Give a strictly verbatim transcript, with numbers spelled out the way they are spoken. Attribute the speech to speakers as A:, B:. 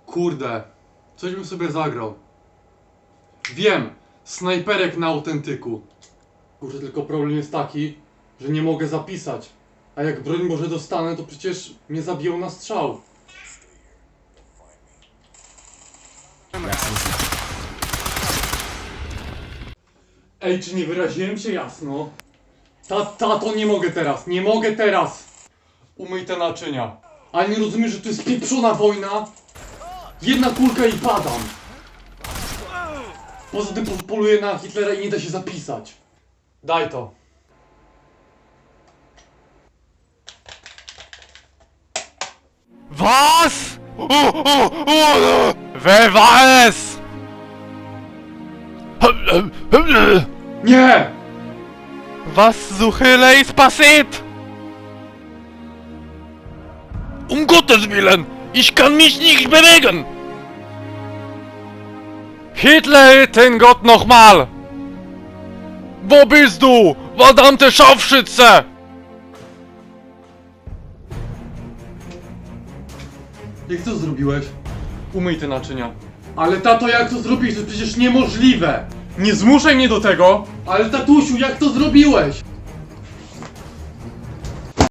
A: Kurde, coś bym sobie zagrał. Wiem, snajperek na autentyku. Kurde, tylko problem jest taki, że nie mogę zapisać. A jak broń Boże dostanę, to przecież mnie zabiją na strzał. Ej, czy nie wyraziłem się jasno? Ta, tato, nie mogę teraz, nie mogę teraz! Umyj te naczynia. Ale nie rozumiesz, że to jest pieprzona wojna? Jedna kulka i padam. Poza tym poluję na Hitlera i nie da się zapisać. Daj to.
B: Was? O, o, o, wer war es?
A: Nie!
B: Was zur Hölle ist passiert? Um Gottes Willen! Ich kann mich nicht bewegen! Hitler, den Gott nochmal! Wo bist du, verdammte Scharfschütze?
A: Jak to zrobiłeś? Umyj te naczynia. Ale tato, jak to zrobiłeś? To jest przecież niemożliwe! Nie zmuszaj mnie do tego! Ale tatusiu, jak to zrobiłeś?